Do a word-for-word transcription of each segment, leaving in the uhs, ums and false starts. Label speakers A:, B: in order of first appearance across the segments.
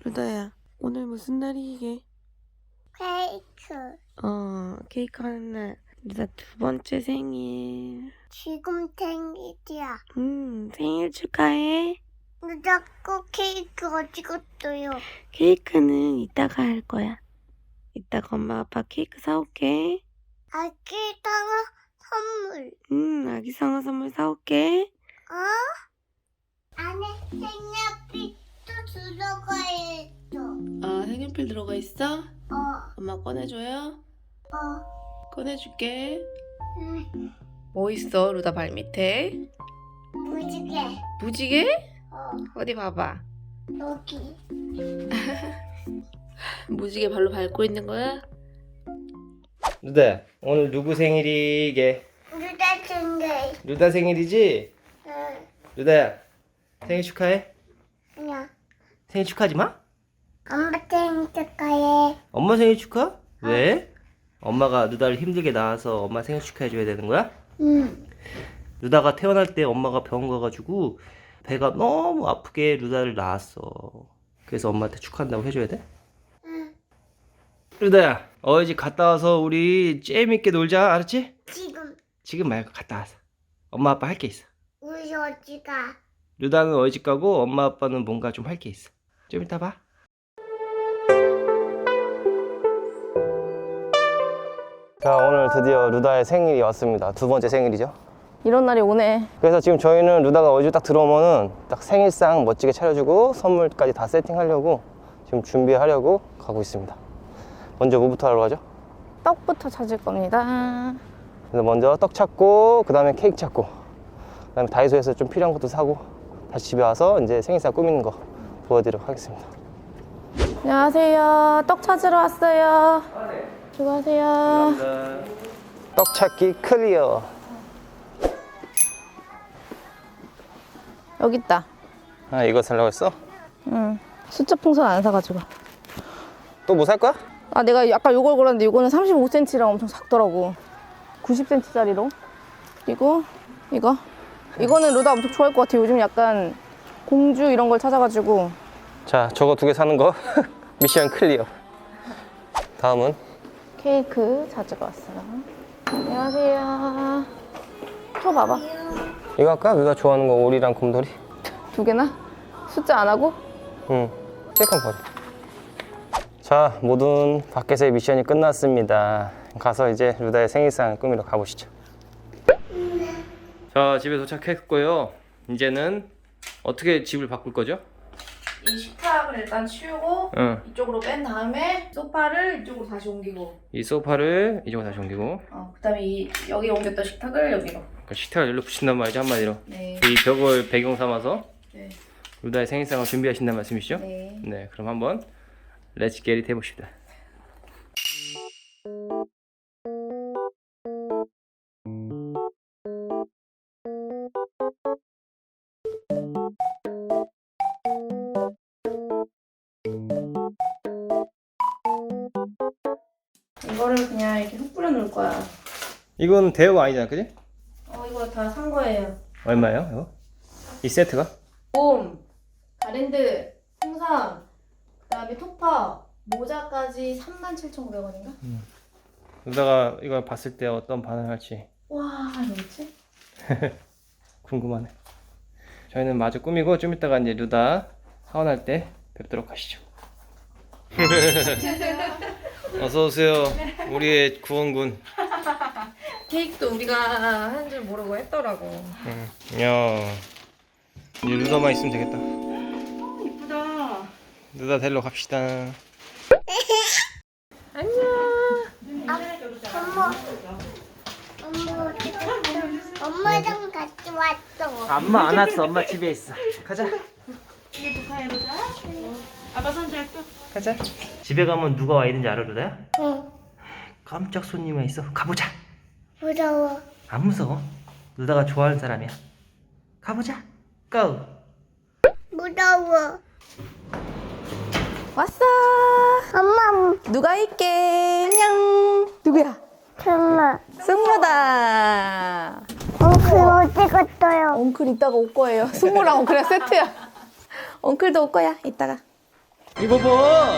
A: 루다야, 오늘 무슨 날이게?
B: 케이크.
A: 어, 케이크 하는 날. 루다 두 번째 생일.
B: 지금 생일이야.
A: 음, 생일 축하해.
B: 너 자꾸 케이크 어디 갔어요?
A: 케이크는 이따가 할 거야. 이따가 엄마 아빠 케이크 사올게.
B: 아기다가 선물.
A: 음, 아기 상어 선물 사올게.
B: 어? 안에 색연필도 들어가 있어.
A: 아, 색연필 들어가 있어?
B: 어.
A: 엄마 꺼내줘요?
B: 어.
A: 꺼내줄게.
B: 응.
A: 뭐 있어, 루다 발 밑에?
B: 무지개.
A: 무지개?
B: 어.
A: 어디 봐봐.
B: 여기.
A: 무지개 발로 밟고 있는 거야?
C: 루다, 오늘 누구 생일이게?
B: 누가 생일?
C: 루다 생일이지?
B: 응.
C: 루다야, 생일 축하해?
B: 그냥.
C: 생일 축하하지 마?
B: 엄마 생일 축하해.
C: 엄마 생일 축하? 왜? 엄마가 루다를 힘들게 낳아서 엄마 생일 축하해줘야 되는 거야?
B: 응.
C: 루다가 태어날 때 엄마가 병원 가가지고 배가 너무 아프게 루다를 낳았어. 그래서 엄마한테 축하한다고 해줘야 돼?
B: 응.
C: 루다야, 어이 집 갔다 와서 우리 재밌게 놀자, 알았지?
B: 지금
C: 지금 말고 갔다 와서 엄마 아빠 할 게 있어.
B: 우리 어디가?
C: 루다는 어이 집 가고 엄마 아빠는 뭔가 좀 할 게 있어. 좀 이따 봐. 자, 오늘 드디어 루다의 생일이 왔습니다. 두 번째 생일이죠.
D: 이런 날이 오네.
C: 그래서 지금 저희는 루다가 어디 딱 들어오면은 딱 생일상 멋지게 차려주고 선물까지 다 세팅하려고 지금 준비하려고 가고 있습니다. 먼저 뭐부터 하러 가죠?
D: 떡부터 찾을 겁니다.
C: 그래서 먼저 떡 찾고 그 다음에 케이크 찾고 그 다음에 다이소에서 좀 필요한 것도 사고 다시 집에 와서 이제 생일상 꾸미는 거 보여드리도록 하겠습니다.
D: 안녕하세요. 떡 찾으러 왔어요. 수고하세요.
C: 떡 찾기 클리어.
D: 여기 있다.
C: 아, 이거 살라고 했어?
D: 응. 숫자 풍선 안 사가지고.
C: 또 뭐 살 거야?
D: 아, 내가 아까 요걸 골랐는데 이거는 삼십오 센티미터랑 엄청 작더라고. 구십 센티미터짜리로. 그리고 이거. 이거는 루다 엄청 좋아할 것 같아. 요즘 약간 공주 이런 걸 찾아가지고.
C: 자, 저거 두 개 사는 거 미션 클리어. 다음은
D: 케이크 찾으러 왔어요. 안녕하세요. 저 봐봐.
C: 이거 할까? 누가 좋아하는 거 오리랑 곰돌이?
D: 두 개나? 숫자 안 하고?
C: 응, 케이크 한번 버려. 자, 모든 밖에서의 미션이 끝났습니다. 가서 이제 루다의 생일상 꾸미러 가보시죠. 자, 집에 도착했고요. 이제는 어떻게 집을 바꿀 거죠?
D: 이 식탁을 일단 치우고
C: 응.
D: 이쪽으로 뺀 다음에 소파를 이쪽으로 다시 옮기고
C: 이 소파를 이쪽으로 다시 옮기고
D: 어, 그 다음에 이 여기 옮겼던 식탁을 여기로.
C: 그 식탁을 여기로 붙인단 말이죠, 한마디로.
D: 네.
C: 이 벽을 배경 삼아서
D: 네.
C: 루다의 생일상을 준비하신다는 말씀이시죠?
D: 네.
C: 네, 그럼 한번 렛츠 겟잇 해봅시다.
D: 이거를 그냥 이렇게 흙 뿌려 놓을 거야.
C: 이건 대여가 아니잖아, 그지?
D: 어, 이거 다 산 거예요.
C: 얼마예요, 이거? 이 세트가?
D: 봄, 가랜드, 홍삼, 그 다음에 토파, 모자까지 삼만 칠천오백 원인가?
C: 루다가 이걸 봤을 때 어떤 반응을 할지
D: 와, 뭐지?
C: 궁금하네. 저희는 마저 꾸미고 좀 이따가 이제 루다 사원할 때 뵙도록 하시죠. 어서 오세요, 우리의 구원군.
D: 케이크도 우리가 하는 줄 모르고 했더라고.
C: 응. 야, 이제 루다만 있으면 되겠다.
D: 이쁘다.
C: 루다 데리러 갑시다.
D: 안녕.
B: 엄마. 엄마 어디 갔어? 엄마랑 같이 왔어.
C: 엄마 안 왔어, 엄마 집에 있어. 가자.
D: 아빠 손 할게.
C: 가자. 집에 가면 누가 와 있는지 알아, 루다야?
B: 응.
C: 깜짝 손님 와 있어. 가보자.
B: 무서워.
C: 안 무서워. 루다가 좋아하는 사람이야. 가보자. 고!
B: 무서워.
D: 왔어.
B: 엄마.
D: 누가 있게? 안녕. 누구야?
B: 엄마.
D: 승모다.
B: 엉클 어디 갔어요?
D: 엉클 이따가 올 거예요. 승모랑 엉클이랑 세트야. 엉클도 올 거야. 이따가.
C: 이거 봐.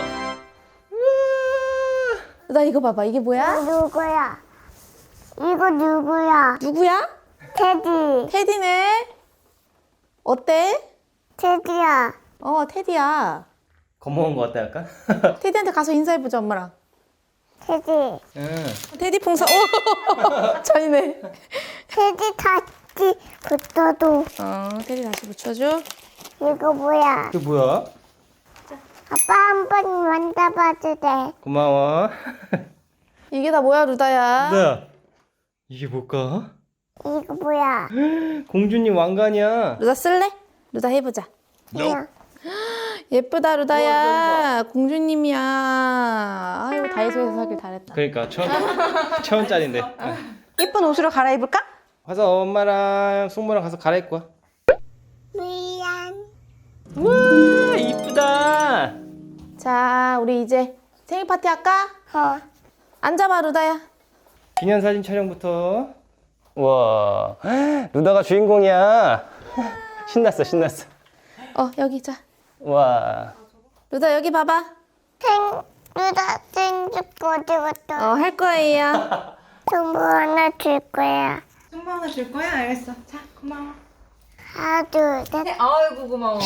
D: 루다 이거 봐봐. 이게 뭐야?
B: 누구야? 이거 누구야?
D: 누구야?
B: 테디.
D: 테디네. 어때?
B: 테디야.
D: 어 테디야.
C: 겁먹은 거 같다 약간?
D: 테디한테 가서 인사해보자 엄마랑.
B: 테디.
C: 응.
D: 테디 풍선. 오 잔이네.
B: 테디 다시 붙어도.
D: 어 테디 다시 붙여줘.
B: 이거 뭐야?
C: 이게 뭐야?
B: 아빠 한 번 만져봐도 돼.
C: 고마워.
D: 이게 다 뭐야 루다야?
C: 루다야, 이게 뭘까?
B: 이거 뭐야?
C: 공주님 왕관이야.
D: 루다 쓸래? 루다 해보자.
B: 그냥
D: 예쁘다 루다야. 공주님이야. 아유 다이소에서 사길 잘했다.
C: 그러니까 천, 천 원짜리인데.
D: 예쁜 옷으로 갈아입을까?
C: 가서 엄마랑 숙모랑 가서 갈아입고 와.
B: 미안.
C: 우와, 이쁘다.
D: 자 우리 이제 생일 파티 할까?
B: 어.
D: 앉아봐 루다야.
C: 기념사진 촬영부터. 우와, 루다가 주인공이야. 신났어, 신났어.
D: 어 여기 자.
C: 우와.
D: 루다 여기 봐봐.
B: 생, 누나 생일 어디 갔다?
D: 어 할 거예요.
B: 선물 하나 줄 거야.
E: 선물 하나 줄 거야? 알겠어. 자, 고마워.
B: 하나, 둘, 셋.
E: 아이고 고마워.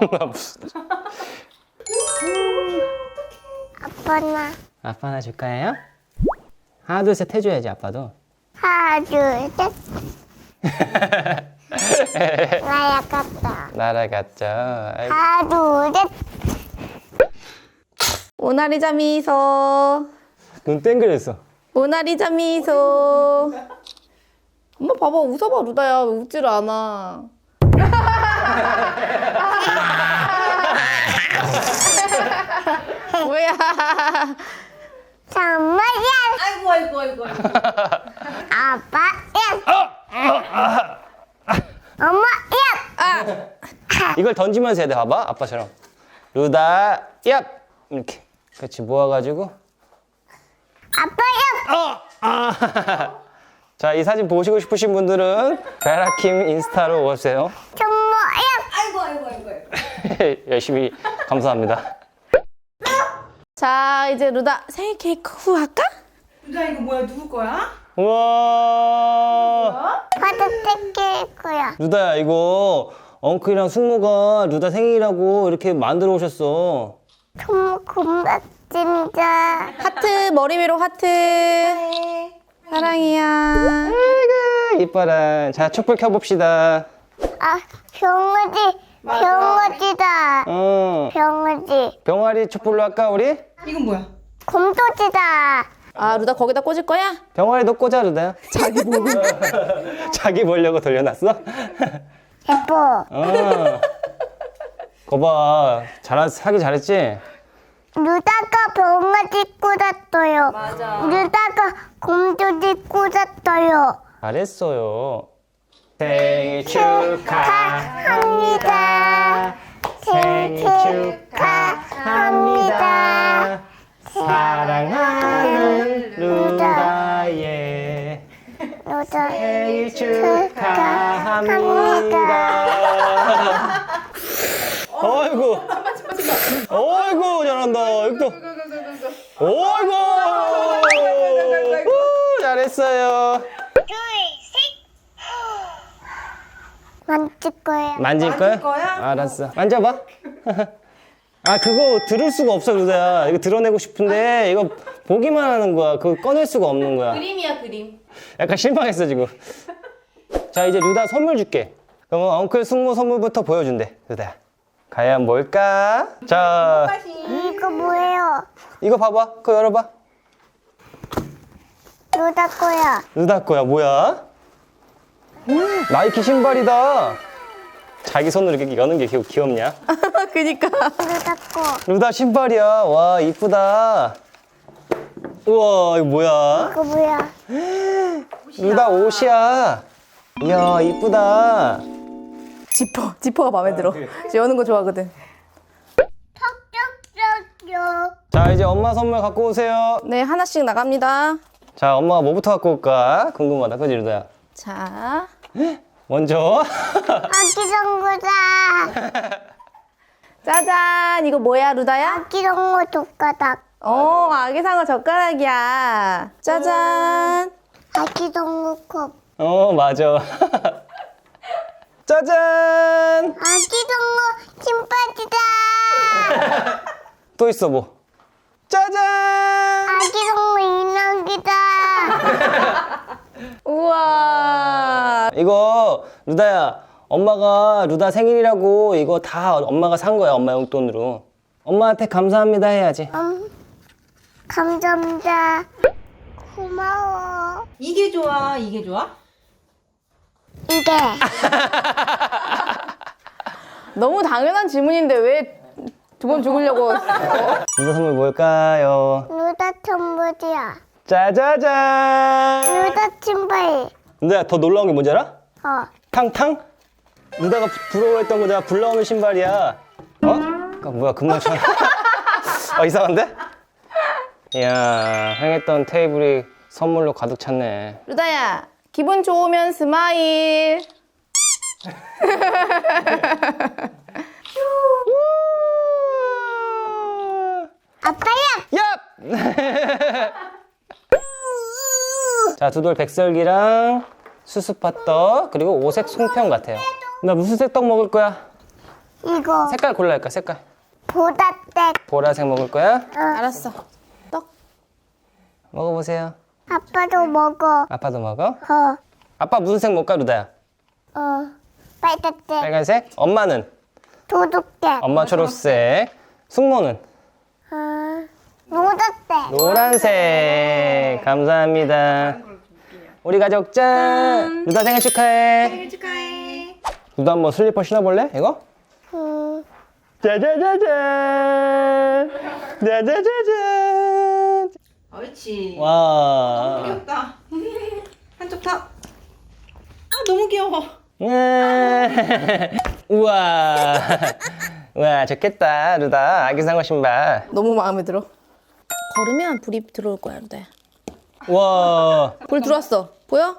B: 아빠 나.
C: 아빠 하나 줄까요? 하나 둘 셋 해줘야지 아빠도.
B: 하나, 둘, 셋. 나야 갔다.
C: 날아갔죠. 아이고.
B: 하나, 둘, 셋.
D: 모나리자 미소.
C: 눈 땡그렸어.
D: 모나리자 미소. 엄마 봐봐 웃어봐 루다야. 왜 웃지를 않아. 뭐야.
B: 정말이야.
E: 아이고 아이고 아이고. 아이고.
B: 아빠야. 엄마야.
C: 이걸 던지면서 해야 돼. 봐봐. 아빠처럼. 루다, 얍! 이렇게. 그렇지. 모아가지고.
B: 아빠야.
C: 아! 자, 이 사진 보시고 싶으신 분들은 베라킴 인스타로 오세요.
B: 정말이야.
E: 아이고 아이고 아이고. 아이고.
C: 열심히 감사합니다.
D: 자 이제 루다 생일 케이크 후 할까?
E: 루다 이거 뭐야? 누구 거야?
C: 우와.
B: 파도 뜯길 거야.
C: 루다야, 이거 엉클이랑 숙모가 루다 생일이라고 이렇게 만들어 오셨어.
B: 정말 고맙습니다.
D: 하트 머리 위로 하트. 사랑이야.
C: 아이고, 이뻐라. 자, 촛불 켜봅시다.
B: 아, 병아지. 병아지다.
C: 어.
B: 병아지.
C: 병아리 촛불로 할까, 우리?
E: 이건 뭐야?
B: 곰돌이다.
D: 아 루다 거기다 꽂을 거야?
C: 병아리도 꽂아, 루다야.
D: 자기 보고.
C: 자기 보려고 돌려놨어?
B: 예뻐.
C: 어. 거봐. 잘, 하기 잘했지?
B: 루다가 병아지 꽂았어요. 맞아. 루다가 곰돌이 꽂았어요.
C: 잘했어요. 생일 축하합니다.
B: 생일 축하합니다.
C: 사랑하는 루다의
B: 루다
C: 생일 축하합니다. 어이구, 어이구, 잘한다. 여기 또, 어이구, 우, 잘했어요.
B: 만질 거야.
C: 만질 거야?
E: 거야?
C: 알았어. 만져봐. 아, 그거 들을 수가 없어, 루다야. 이거 드러내고 싶은데 이거 보기만 하는 거야. 그거 꺼낼 수가 없는 거야.
D: 그림이야 그림.
C: 약간 실망했어 지금. 자, 이제 루다 선물 줄게. 그러면 엉클 숙모 선물부터 보여준대, 루다야. 과연 뭘까? 자,
B: 이거 뭐예요?
C: 이거 봐봐. 그거 열어봐.
B: 루다 거야.
C: 루다 거야. 뭐야? 음, 나이키 신발이다. 자기 손으로 이렇게 여는 게 귀- 귀엽냐?
D: 그니까.
B: 루다 거.
C: 루다 신발이야. 와, 이쁘다. 우와, 이거 뭐야?
B: 이거 뭐야?
C: 루다 옷이야. 이야, 이쁘다.
D: 지퍼 지퍼가 마음에 들어. 여는 거 좋아하거든.
B: 턱쪽쪽쪽.
C: 자, 이제 엄마 선물 갖고 오세요.
D: 네 하나씩 나갑니다.
C: 자, 엄마가 뭐부터 갖고 올까? 궁금하다. 그지, 루다야?
D: 자
C: 먼저.
B: 아기 정구다.
D: 짜잔, 이거 뭐야, 루다야?
B: 아기 동물 젓가락.
D: 어, 아기상어 젓가락이야. 짜잔.
B: 아기 동물 컵.
C: 어, 맞아. 짜잔!
B: 아기 동물 신바지다.
C: 또 있어, 뭐. 짜잔!
B: 아기 동물 인형이다.
D: 우와.
C: 이거, 루다야, 엄마가 루다 생일이라고 이거 다 엄마가 산 거야, 엄마 용돈으로. 엄마한테 감사합니다 해야지.
B: 음, 감사합니다. 고마워.
E: 이게 좋아, 이게 좋아?
B: 이게
D: 너무 당연한 질문인데 왜 두 번 죽으려고.
C: 루다 선물 뭘까요?
B: 루다 천부지야.
C: 짜자잔!
B: 루다 신발.
C: 루다야, 더 놀라운 게 뭔지 알아?
B: 어.
C: 탕탕? 루다가 부러워했던 거잖아. 불나오는 신발이야. 어? 그 뭐야, 금방처럼. 아, 이상한데? 이야, 행했던 테이블이 선물로 가득 찼네.
D: 루다야, 기분 좋으면 스마일.
B: 아빠야.
C: 얍! 자, 두돌 백설기랑 수수팥떡, 그리고 오색 송편 같아요. 나 무슨 색 떡 먹을 거야?
B: 이거
C: 색깔 골라야 할까, 색깔?
B: 보다색.
C: 보라색 먹을 거야?
D: 알았어. 떡.
C: 먹어보세요.
B: 아빠도 먹어.
C: 아빠도 먹어?
B: 어.
C: 아빠 무슨 색 먹을까, 루다야?
B: 어. 빨갛색.
C: 빨간색? 엄마는?
B: 도둑색.
C: 엄마 초록색. 숙모는?
B: 어. 노랗색.
C: 노란색. 감사합니다. 우리 가족 짠! 루다 생일 축하해.
E: 생일 축하해.
C: 루다 한번 슬리퍼 신어볼래? 이거?
B: 음.
C: 짜자자잔! 짜자자잔!
E: 옳지.
C: 와.
E: 귀엽다. 한쪽 탑. 아, 너무 귀여워.
C: 네. 우와. 우와, 좋겠다, 루다. 아기상어 신발.
D: 너무 마음에 들어. 걸으면 불이 들어올 거야, 루다야.
C: 와.
D: 불 들어왔어. 보여?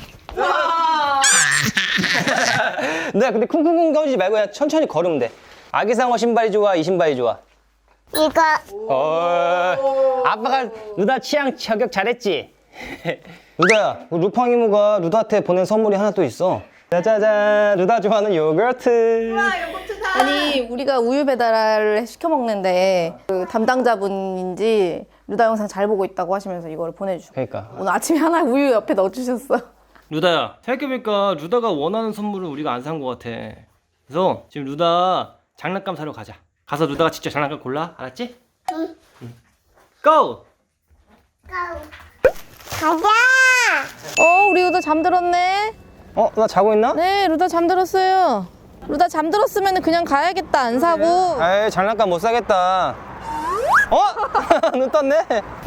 C: 네, 근데 쿵쿵쿵 거리지 말고 그냥 천천히 걸으면 돼. 아기상어 신발이 좋아, 이 신발이 좋아?
B: 이거
C: 어, 아빠가 루다 취향 저격 잘했지? 루다야, 루팡 이모가 루다한테 보낸 선물이 하나 또 있어. 짜자잔, 루다 좋아하는 요거트.
E: 아, 요거트 다.
D: 아니, 우리가 우유 배달을 시켜 먹는데 그 담당자분인지 루다 영상 잘 보고 있다고 하시면서 이걸 보내주고.
C: 그러니까.
D: 오늘 아침에 하나 우유 옆에 넣어주셨어.
C: 루다야, 생각해보니까 루다가 원하는 선물을 우리가 안 산 것 같아. 그래서 지금 루다 장난감 사러 가자. 가서 루다가 직접 장난감 골라, 알았지? 응. 고!
B: 가자.
D: 어, 우리 루다 잠들었네.
C: 어, 나 자고 있나?
D: 네, 루다 잠들었어요. 루다 잠들었으면 그냥 가야겠다, 안 사고.
C: 에이, 장난감 못 사겠다. 어? 눈 떴네.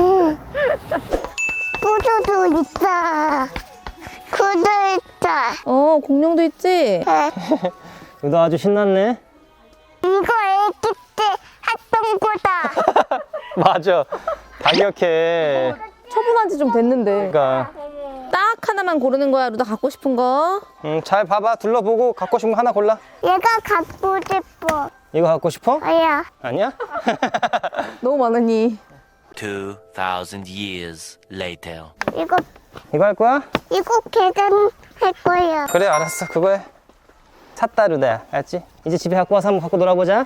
B: 구두도 있다. 구두 있다.
D: 어, 공룡도 있지?
C: 루다 아주 신났네.
B: 이거 애기 때 했던 거다.
C: 맞아. 다 기억해.
D: 처분한 지 좀 됐는데.
C: 그러니까.
D: 딱 하나만 고르는 거야, 루다 갖고 싶은 거.
C: 음, 잘 봐봐. 둘러보고 갖고 싶은 거 하나 골라.
B: 얘가 갖고 싶어.
C: 이거 갖고 싶어?
B: 아야.
C: 아니야?
D: 너무 많으니.
F: Two thousand years later.
B: 이거
C: 이거 할 거야?
B: 이거 계산할 거야.
C: 그래, 알았어. 그거 해. 샀다, 루다야. 알았지? 이제 집에 갖고 와서 한번 갖고 놀아보자.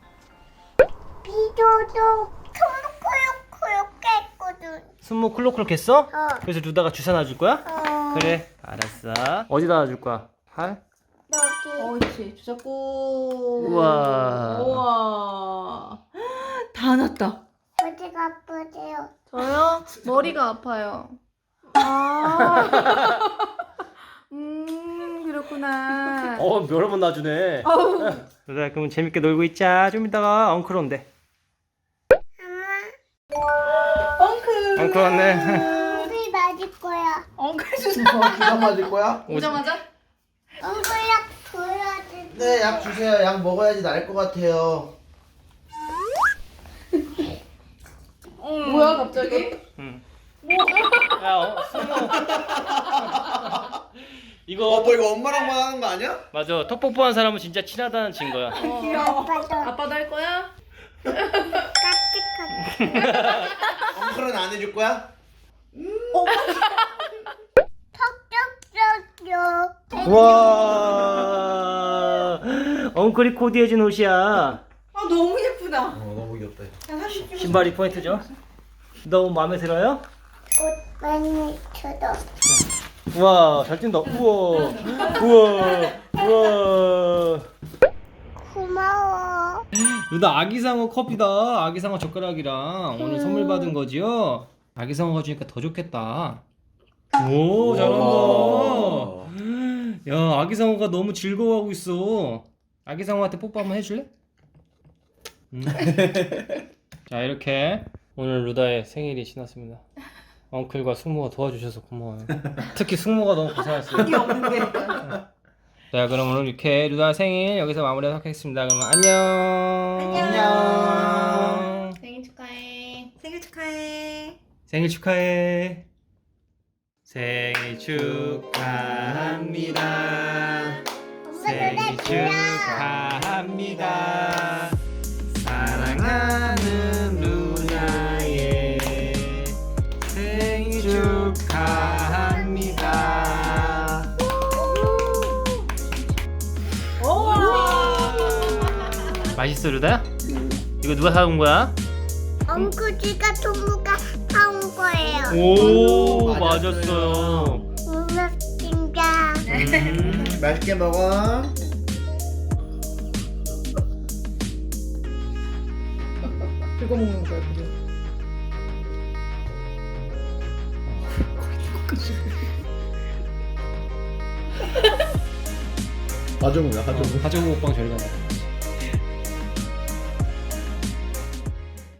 B: 비도도 콜록콜록콜록 했거든.
C: 순모 클로클록 했어?
B: 어.
C: 그래서 루다가 주사 놔줄 거야?
B: 어.
C: 그래, 알았어. 어디다 놔줄 거야? 팔?
B: 여기.
E: 옳지. 주작구.
C: 우와.
E: 우와. 다 났다.
B: 어디가 아프세요?
D: 저요? 머리가 아파요. 아. 음, 그렇구나.
C: 어, 여러 번 놔주네. 루다야, 그럼 재밌게 놀고 있자. 좀 이따가 엉클 온대.
E: 엉클.
C: 엉클 왔네.
B: 우리 맞을 거야.
E: 엉클 주사.
G: 주사 맞을 거야?
E: 오자마자?
B: 엉클약 줘야 돼.
G: 네, 약 주세요. 약 먹어야지 나을 것 같아요.
E: 뭐야 갑자기?
C: 야, 어, 순모. 이거
G: 어, 뭐 이거 엄마랑만 하는 거 아니야?
C: 맞아. 턱 뽀뽀한 사람은 진짜 친하다는 증거야.
B: 아빠도
D: 아빠도 할 거야?
B: 까짓까짓.
G: 엉클은 안 해줄 거야?
B: 턱적적적.
C: 와. 엉클이 코디해준 옷이야.
E: 아 너무 예쁘다.
G: 어, 너무 귀엽다.
E: 야, 사진 찍어.
C: 신발이 포인트죠? 너무 마음에 들어요?
B: 옷 많이 쳐도.
C: 우와, 잘 뛴다. 우와. 우와. 우와.
B: 고마워.
C: 루다 아기상어 컵이다. 아기상어 젓가락이랑 오늘 선물 받은 거지요? 아기상어가 주니까 더 좋겠다. 오, 잘한다. 야, 아기상어가 너무 즐거워하고 있어. 아기상어한테 뽀뽀 한번 해줄래? 음. 자, 이렇게 오늘 루다의 생일이 지났습니다. 엉클과 숙모가 도와주셔서 고마워요. 특히 숙모가 너무 고생했어요.
E: 이게 없는데.
C: 자, 그럼 오늘 이렇게 루다 생일 여기서 마무리하도록 하겠습니다. 그러면 안녕.
E: 안녕.
D: 생일 축하해.
E: 생일 축하해.
C: 생일 축하해. 생일 축하합니다. 생일 축하합니다. 사랑하는 루나의 생일 축하합니다. 맛있어, 루다야? 이거 누가 사온 거야?
B: 엉구지가 동무가 사온 거예요.
C: 오,
G: 맞았어요.
C: 맞았어요.
B: 고맙습니다.
C: 음.
G: 맛있게 먹어.
D: 긁어 먹는 거야, 그죠?
G: 가져오야, 가져오.
C: 가져오고 오빠랑 저리 가자.